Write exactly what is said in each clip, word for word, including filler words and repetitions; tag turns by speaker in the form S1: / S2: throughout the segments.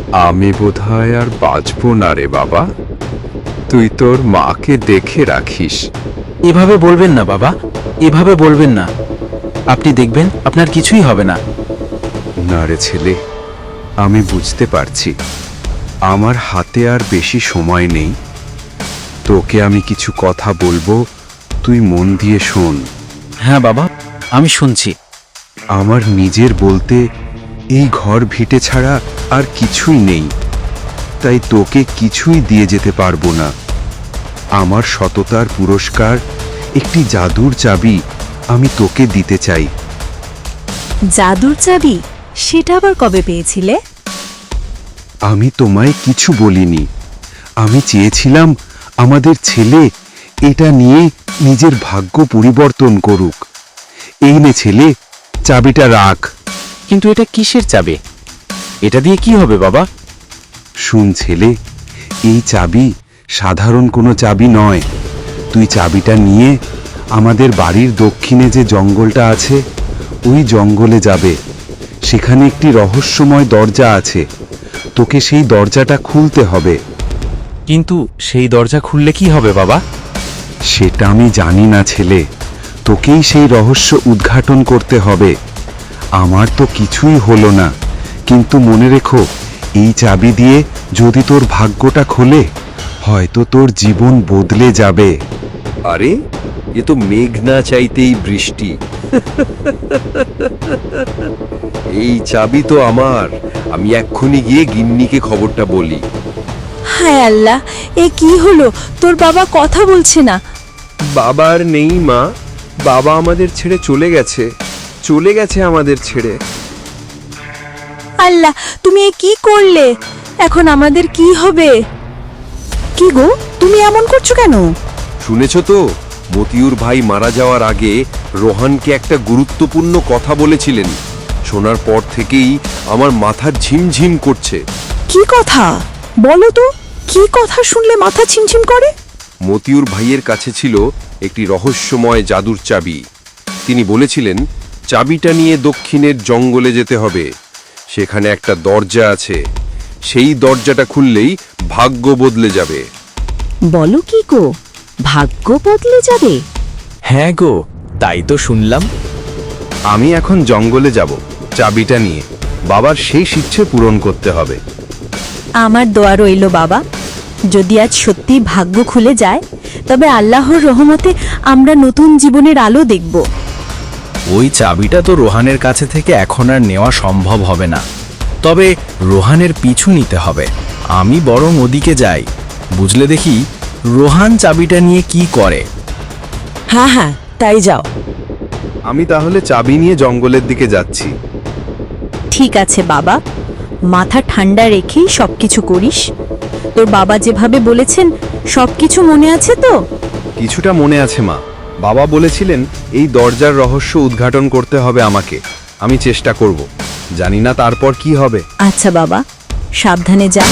S1: আমি বোধহয় আর বাঁচব না রে বাবা। তুই তোর মাকে দেখে রাখিস।
S2: এভাবে বলবেন না বাবা, এভাবে বলবেন না। আপনি দেখবেন আপনার কিছুই হবে না।
S1: না রে ছেলে, আমি বুঝতে পারছি আমার হাতে আর বেশি সময় নেই। তোকে আমি কিছু কথা বলবো, তুই মন দিয়ে শোন।
S2: হ্যাঁ বাবা, আমি শুনছি।
S1: আমার নিজের বলতে এই ঘর ভিটে ছাড়া আর কিছুই নেই, তাই তোকে কিছুই দিয়ে যেতে পারবো না। আমার সততার পুরস্কার একটি জাদুর চাবি আমি তোকে দিতে চাই।
S3: জাদুর চাবি? সেটা আবার কবে পেয়েছিলে?
S1: আমি তোমায় কিছু বলিনি। আমি চেয়েছিলাম আমাদের ছেলে এটা নিয়ে নিজের ভাগ্য পরিবর্তন করুক। এই নে ছেলে, চাবিটা রাখ।
S2: কিন্তু এটা কিসের চাবি? এটা দিয়ে কি হবে বাবা?
S1: শুন ছেলে, এই চাবি সাধারণ কোনো চাবি নয়। তুই চাবিটা নিয়ে আমাদের বাড়ির দক্ষিণে যে জঙ্গলটা আছে ওই জঙ্গলে যাবে। সেখানে একটি রহস্যময় দরজা আছে, তোকে সেই দরজাটা খুলতে হবে।
S2: কিন্তু সেই দরজা খুললে কি হবে বাবা?
S1: সেটা আমি জানি না ছেলে, তোকেই সেই রহস্য উদ্ঘাটন করতে হবে। আমার তো কিছুই হলো না, কিন্তু মনে রেখো, এই চাবি দিয়ে যদি তোর ভাগ্যটা খোলে, হয়তো তোর জীবন বদলে যাবে।
S4: আরে, এ তো মেঘ না চাইতেই বৃষ্টি। এই চাবি তো আমার। আমি এক্ষুনি গিয়ে গিন্নিকে খবরটা বলি।
S3: হায় আল্লাহ, এ কি হলো? তোর বাবা কথা বলছে না।
S4: বাবা আর নেই মা, বাবা আমাদের ছেড়ে চলে গেছে, চলে গেছে আমাদের ছেড়ে।
S3: আল্লাহ, তুমি এ কি করলে? এখন আমাদের কি হবে? কি গো, তুমি এমন করছো কেন?
S4: শুনেছ তো, মতিউর ভাই মারা যাওয়ার আগে রোহানকে একটা গুরুত্বপূর্ণ কথা বলেছিলেন। শোনার পর থেকেই আমার মাথা ঝিমঝিম করছে।
S3: কি কথা বলো তো? কি কথা শুনলে মাথা ছিমছিম করে?
S4: মতিউর ভাইয়ের কাছে ছিল একটি রহস্যময় জাদুর চাবি। তিনি বলেছিলেন চাবিটা নিয়ে দক্ষিণের জঙ্গলে যেতে হবে। সেখানে একটা দরজা আছে, সেই দরজাটা খুললেই ভাগ্য বদলে যাবে।
S3: বলো কি গো, ভাগ্য বদলে যাবে?
S2: হ্যাঁ গো, তাই তো শুনলাম।
S1: আমি এখন জঙ্গলে যাব চাবিটা নিয়ে। বাবার সেই ইচ্ছে পূরণ করতে হবে।
S3: আমার দোয়া রইল বাবা, যদি আজ সত্যি ভাগ্য খুলে যায়, তবে আল্লাহর রহমতে আমরা নতুন জীবনের আলো দেখব।
S2: ওই চাবিটা তো রোহানের কাছে থেকে এখন আর নেওয়া সম্ভব হবে না। তবে রোহানের পিছু নিতে হবে। আমি বরং ওদিকে যাই, বুঝলে দেখি রোহান চাবিটা নিয়ে কি করে।
S3: হ্যাঁ হ্যাঁ, তাই যাও।
S1: আমি তাহলে চাবি নিয়ে জঙ্গলের দিকে যাচ্ছি।
S3: ঠিক আছে বাবা, মাথা ঠান্ডা রেখেই সবকিছু করিস। তোর বাবা যেভাবে বলেছেন সবকিছু মনে আছে তো?
S1: কিছুটা মনে আছে মা। বাবা বলেছিলেন এই দরজার রহস্য উদ্ঘাটন করতে হবে আমাকে। আমি চেষ্টা করব, জানি না তারপর কি হবে।
S3: আচ্ছা বাবা, সাবধানে যা।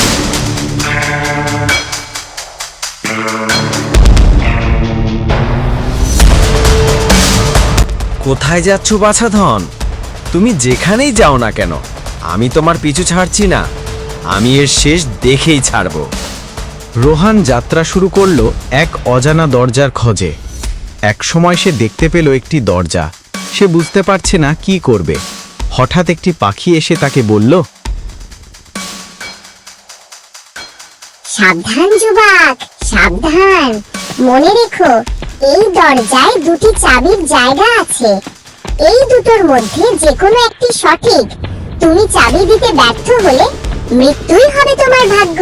S5: কোথায় যাচ্ছ বাছাধন? তুমি যেখানেই যাও না কেন, আমি তোমার পিছু ছাড়ছি না। আমি এর শেষ দেখেই ছাড়ব।
S2: রোহান যাত্রা শুরু করলো এক অজানা দরজার খোঁজে। এক সময় সে দেখতে পেল একটি দরজা। সে বুঝতে পারছে না কি করবে। হঠাৎ একটি পাখি এসে তাকে বলল,
S6: সাবধান যুবক, সাবধান। মনে রেখো, এই দরজায় দুটি চাবির জায়গা আছে। এই দুটোর মধ্যে যে কোনো একটি সঠিক। তুমি চাবি দিতে ব্যর্থ হলে মৃত্যুই হবে তোমার ভাগ্য।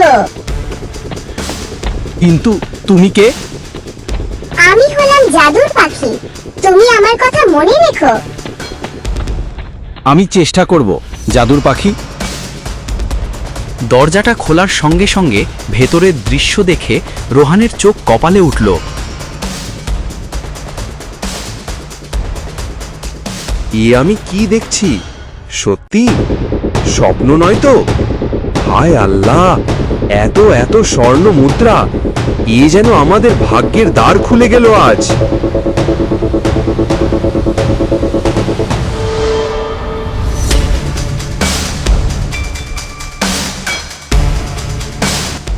S2: কিন্তু তুমি কে?
S6: আমি হলাম জাদুর পাখি, তুমি আমার কথা মনে রেখো।
S2: আমি চেষ্টা করব জাদুর পাখি। দরজাটা খোলার সঙ্গে সঙ্গে ভেতরের দৃশ্য দেখে রোহানের চোখ কপালে উঠল।
S4: এ আমি কি দেখছি? সত্যি স্বপ্ন নয় তো? হায় আল্লাহ, এত এত স্বর্ণ মুদ্রা! এ যেন আমাদের ভাগ্যের দ্বার খুলে গেল আজ।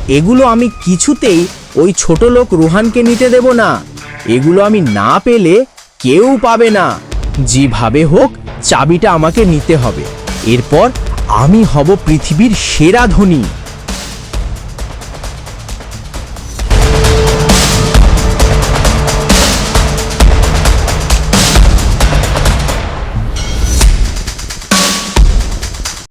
S2: এগুলো আমি কিছুতেই ওই ছোট লোক রোহানকে নিতে দেব না। এগুলো আমি না পেলে কেউ পাবে না। যেভাবে হোক চাবিটা আমাকে নিতে হবে। এরপর আমি হব পৃথিবীর সেরা ধনী।